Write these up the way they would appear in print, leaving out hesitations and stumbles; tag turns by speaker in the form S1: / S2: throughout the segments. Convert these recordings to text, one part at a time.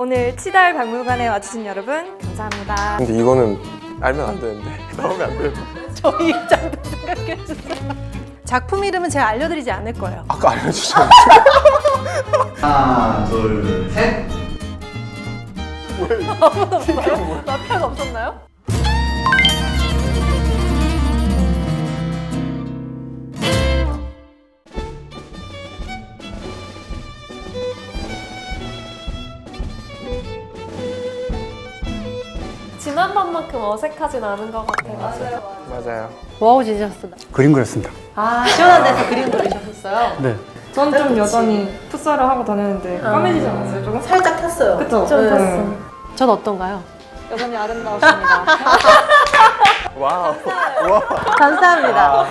S1: 오늘 치달 박물관에 와주신 여러분 감사합니다.
S2: 근데 이거는 알면 안 되는데 나오면 안 돼요.
S3: 저희 입장도 생각해주세요. 작품 이름은 제가 알려드리지 않을 거예요.
S2: 아까 알려주셨는데.
S4: 하나, 둘, 셋.
S3: 아무도 없어요? 마피아가 없었나요?
S1: 지난번만큼 어색하진 않은 것 같아요.
S2: 맞아요.
S3: 뭐하고 지내셨어요?
S5: 그림 그렸습니다.
S3: 아, 시원한 데서 그림 그리셨어요?
S5: 네.
S1: 저는 좀 여전히 풋살을 하고 다녔는데 까매지지 않았어요? 조금?
S3: 살짝 탔어요.
S1: 그쵸?
S3: 좀
S1: 네.
S3: 탔어. 전 어떤가요?
S1: 여전히 아름다우십니다.
S2: 와우. 와.
S3: 감사합니다.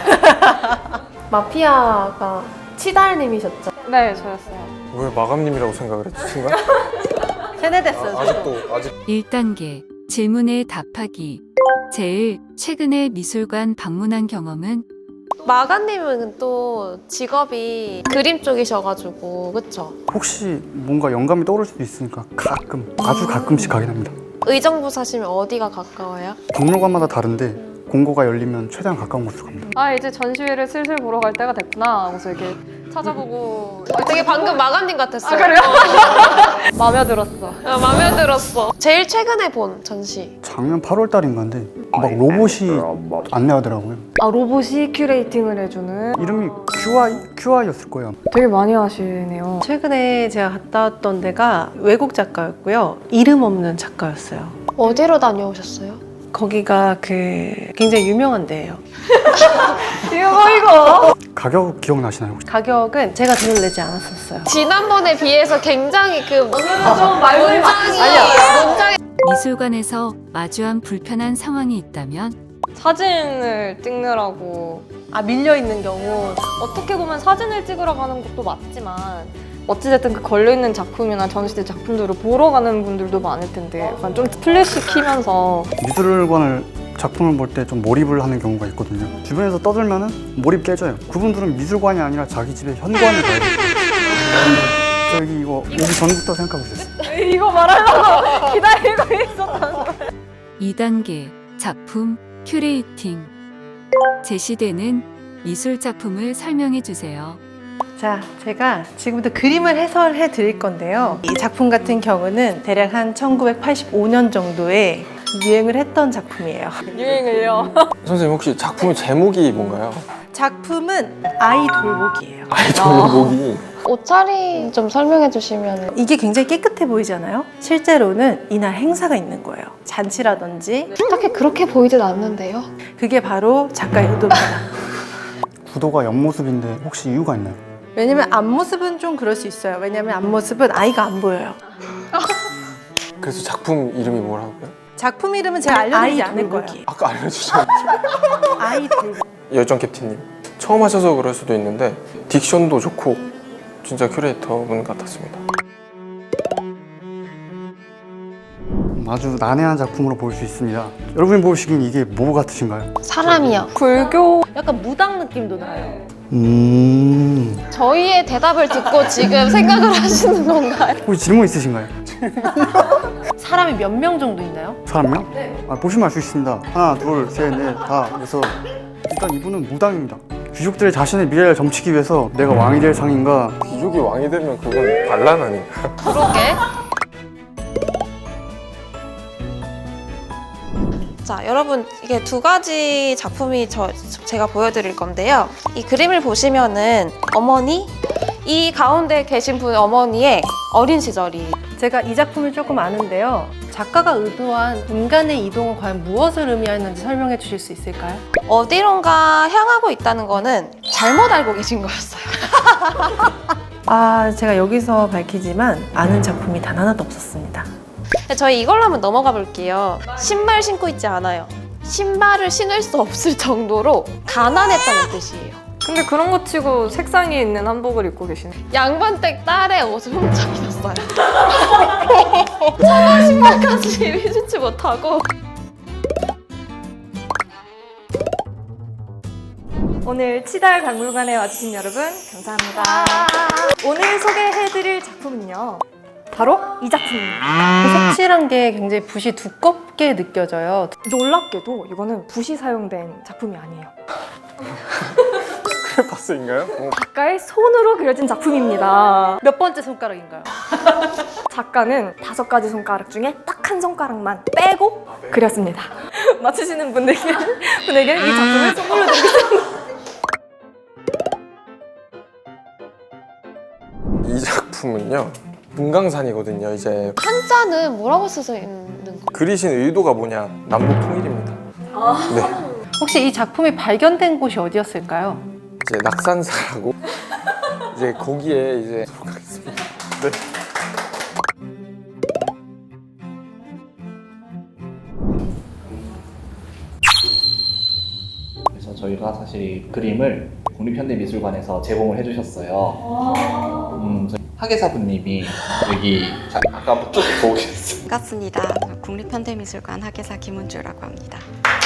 S1: 마피아가 치달님이셨죠? 네, 저였어요.
S2: 왜 마감님이라고 생각을 했지 순간?
S3: 세뇌됐어요.
S2: 아직
S6: 1단계 질문에 답하기. 제일 최근에 미술관 방문한 경험은?
S7: 마가님은 또 직업이 그림 쪽이셔가지고 그쵸?
S5: 혹시 뭔가 영감이 떠오를 수도 있으니까 가끔, 아주 가끔씩 가긴 합니다.
S7: 의정부 사시면 어디가 가까워요?
S5: 박물관마다 다른데 공고가 열리면 최대한 가까운 곳으로 갑니다.
S8: 아 이제 전시회를 슬슬 보러 갈 때가 됐구나 하고서 이렇게 찾아보고
S7: 되게 방금 마가님 같았어요.
S8: 그래요? 마음에 들었어.
S7: 마음에 들었어. 제일 최근에 본 전시.
S5: 작년 8월 달인가인데 막 로봇이 안내하더라고요.
S8: 아 로봇이 큐레이팅을 해주는
S5: 이름이 QI였을 거예요.
S8: 되게 많이 하시네요.
S3: 최근에 제가 갔다 왔던 데가 외국 작가였고요. 이름 없는 작가였어요.
S7: 어디로 다녀오셨어요?
S3: 거기가 굉장히 유명한 데예요.
S8: 이거
S5: 가격 기억나시나요 혹시?
S3: 가격은 제가 돈을 내지 않았었어요.
S7: 지난번에 비해서 굉장히 그
S8: 좀 말고
S7: 문장이
S6: 미술관에서 마주한 불편한 상황이 있다면?
S8: 사진을 찍느라고
S3: 아, 밀려있는 경우.
S8: 어떻게 보면 사진을 찍으러 가는 것도 맞지만 어찌됐든 그 걸려있는 작품이나 전시된 작품들을 보러 가는 분들도 많을 텐데 약간 좀 플래시 키면서
S5: 미술관을 작품을 볼 때 좀 몰입을 하는 경우가 있거든요. 주변에서 떠들면은 몰입 깨져요. 그분들은 미술관이 아니라 자기 집에 현관을 가야 돼요. 저기 이거 오기 전부터 생각하고 있었어요.
S8: 이거 말하려고 기다리고 있었다는 거야.
S6: 2단계 작품 큐레이팅. 제시되는 미술 작품을 설명해 주세요.
S3: 자, 제가 지금부터 그림을 해설해 드릴 건데요. 이 작품 같은 경우는 대략 한 1985년 정도에 유행을 했던 작품이에요.
S8: 유행을요.
S2: 선생님 혹시 작품의 제목이 뭔가요?
S3: 작품은 아이 돌보기예요.
S2: 아이돌 목이
S7: 옷차림 좀 설명해 주시면.
S3: 이게 굉장히 깨끗해 보이잖아요. 실제로는 이날 행사가 있는 거예요. 잔치라든지.
S7: 딱히 그렇게 보이진 않는데요.
S3: 그게 바로 작가의 의도입니다.
S5: 구도가 옆모습인데 혹시 이유가 있나요?
S3: 왜냐면 앞모습은 좀 그럴 수 있어요. 왜냐면 앞모습은 아이가 안 보여요.
S2: 그래서 작품 이름이 뭐라고요?
S3: 작품 이름은 제가 알려드리지 않을 거예요.
S2: 아까 알려주셨는데.
S3: 아이 돌보기.
S2: 열정 캡틴님 처음 하셔서 그럴 수도 있는데 딕션도 좋고 진짜 큐레이터분 같았습니다.
S5: 아주 난해한 작품으로 볼 수 있습니다. 여러분이 보시기엔 이게 뭐 같으신가요?
S7: 사람이요.
S8: 불교
S3: 약간 무당 느낌도 나요.
S7: 저희의 대답을 듣고 지금 생각을 하시는 건가요?
S5: 혹시 질문 있으신가요?
S3: 사람이 몇 명 정도 있나요?
S5: 사람이요? 네. 보시면 알 수 있습니다. 하나, 둘, 셋, 넷, 다. 그래서 일단 이분은 무당입니다. 귀족들의 자신의 미래를 점치기 위해서 내가 왕이 될 상인가.
S2: 귀족이 왕이 되면 그건 반란 아닌가?
S7: 그러게. 자, 여러분 이게 두 가지 작품이 제가 보여드릴 건데요. 이 그림을 보시면은 어머니, 이 가운데 계신 분 어머니의 어린 시절이.
S3: 제가 이 작품을 조금 아는데요. 작가가 의도한 인간의 이동은 과연 무엇을 의미하는지 설명해 주실 수 있을까요?
S7: 어디론가 향하고 있다는 거는 잘못 알고 계신 거였어요.
S3: 아, 제가 여기서 밝히지만 아는 작품이 단 하나도 없었습니다.
S7: 저희 이걸로 한번 넘어가 볼게요. 신발 신고 있지 않아요. 신발을 신을 수 없을 정도로 가난했다는 뜻이에요.
S8: 근데 그런 거 치고 색상이 있는 한복을 입고 계시네.
S7: 양반댁 딸의 옷을 훔쳐 입었어요. 청아 신발까지 신지 못하고.
S1: 오늘 치달 박물관에 와주신 여러분 감사합니다. 오늘 소개해드릴 작품은요. 바로 이 작품입니다.
S3: 색칠한 게 굉장히 붓이 두껍게 느껴져요.
S1: 놀랍게도 이거는 붓이 사용된 작품이 아니에요.
S2: 크레파스인가요?
S1: 작가의 손으로 그려진 작품입니다.
S3: 몇 번째 손가락인가요?
S1: 작가는 5가지 손가락 중에 딱 한 손가락만 빼고 그렸습니다. 맞추시는 분에게는 이 작품을 선물로 드리겠습니다.
S2: 이 작품은요 금강산이거든요. 이제
S7: 한자는 뭐라고 쓰여 있는 거?
S2: 그리신 의도가 뭐냐, 남북 통일입니다. 네,
S3: 혹시 이 작품이 발견된 곳이 어디였을까요?
S2: 이제 낙산사라고 이제 거기에 이제 가겠습니다. 네.
S4: 그래서 저희가 사실 이 그림을 국립현대미술관에서 제공을 해주셨어요. 저희 학예사분님이 여기 아까 쭉 보고 계셨어요.
S9: 반갑습니다. 국립현대미술관 학예사 김은주라고 합니다.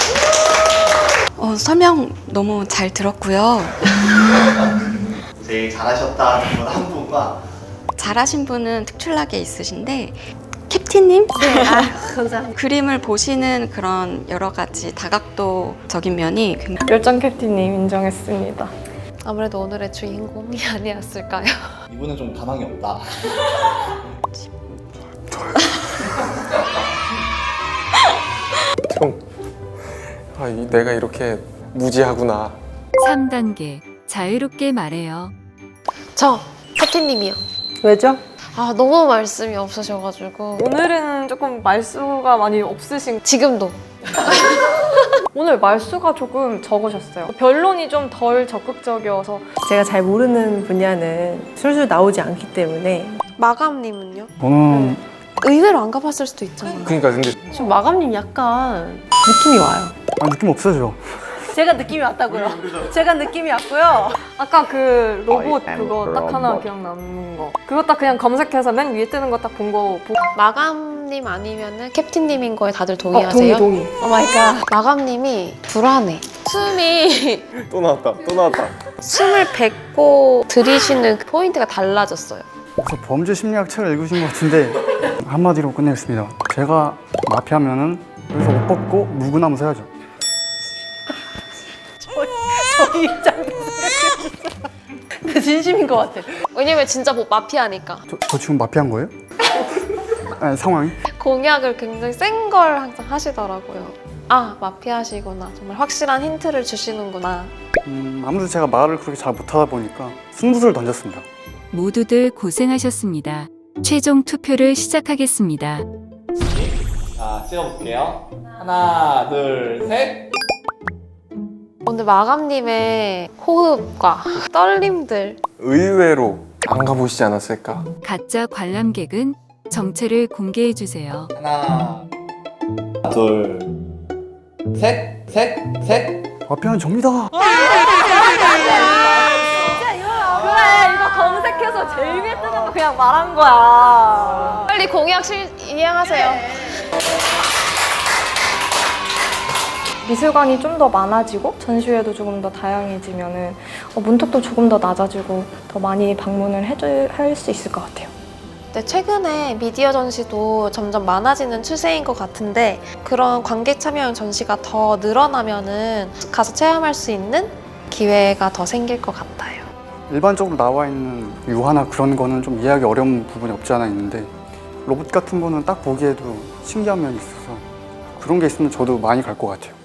S9: 설명 너무 잘 들었고요.
S4: 제일 잘하셨다는 분 한 분과
S9: 잘하신 분은 특출나게 있으신데 캡틴님?
S3: 네, 감사합니다.
S9: 그림을 보시는 그런 여러 가지 다각도적인 면이 굉장히
S8: 열정 캡틴님 인정했습니다.
S7: 아무래도 오늘의 주인공이 아니었을까요?
S4: 이분은 좀 가망이 없다.
S2: 형, 내가 이렇게 무지하구나.
S6: 3단계 자유롭게 말해요.
S7: 저 캡틴님이요.
S3: 왜죠?
S7: 아 너무 말씀이 없으셔가지고
S8: 오늘은 조금 말수가 많이 없으신
S7: 지금도
S8: 오늘 말수가 조금 적으셨어요. 변론이 좀 덜 적극적이어서
S3: 제가 잘 모르는 분야는 술술 나오지 않기 때문에
S7: 마감님은요?
S5: 저는
S7: 의외로 안 가봤을 수도 있잖아요.
S2: 그러니까 근데
S3: 지금 마감님 약간 느낌이 와요.
S5: 느낌 없어져.
S3: 제가 느낌이 왔다고요. 제가 느낌이 왔고요.
S8: 아까 그 로봇 그거 딱 하나 기억 남는 거. 그거 딱 그냥 검색해서 맨 위에 뜨는 거 딱 본 거 보고
S7: 마감님 아니면은 캡틴님인 거에 다들 동의하세요?
S1: 동의.
S7: 오 마이 갓. 마감님이 불안해. 숨이
S2: 또 나왔다.
S7: 숨을 뱉고 들이쉬는 그 포인트가 달라졌어요.
S5: 그래서 범죄 심리학 책을 읽으신 것 같은데 한마디로 끝내겠습니다. 제가 마피아면은 여기서 옷 벗고 물구나무 서야죠.
S3: 저희 입장에서 생각해보세요. 근데 진심인 것 같아.
S7: 왜냐면 진짜 뭐 마피아니까
S5: 저 지금 마피아인 거예요? 아니, 상황이?
S7: 공약을 굉장히 센 걸 항상 하시더라고요. 아 마피아시구나. 정말 확실한 힌트를 주시는구나.
S5: 아무래도 제가 말을 그렇게 잘 못하다 보니까 승부수를 던졌습니다.
S6: 모두들 고생하셨습니다. 최종 투표를 시작하겠습니다.
S4: 자, 찍어볼게요. 하나, 둘, 셋.
S7: 오늘 마감님의 호흡과 떨림들
S2: 의외로 안 가보시지 않았을까?
S6: 가짜 관람객은 정체를 공개해 주세요.
S4: 하나, 둘, 셋.
S5: 마피아는 접니다.
S8: 그래 이거 검색해서 제일 위에 뜨는 거 그냥 말한 거야.
S7: 빨리 공약 이행하세요.
S1: 미술관이 좀 더 많아지고 전시회도 조금 더 다양해지면은 문턱도 조금 더 낮아지고 더 많이 방문을 할 수 있을 것 같아요.
S7: 네, 최근에 미디어 전시도 점점 많아지는 추세인 것 같은데 그런 관객 참여형 전시가 더 늘어나면은 가서 체험할 수 있는 기회가 더 생길 것 같아요.
S5: 일반적으로 나와 있는 유화나 그런 거는 좀 이해하기 어려운 부분이 없지 않아 있는데 로봇 같은 거는 딱 보기에도 신기한 면이 있어서 그런 게 있으면 저도 많이 갈 것 같아요.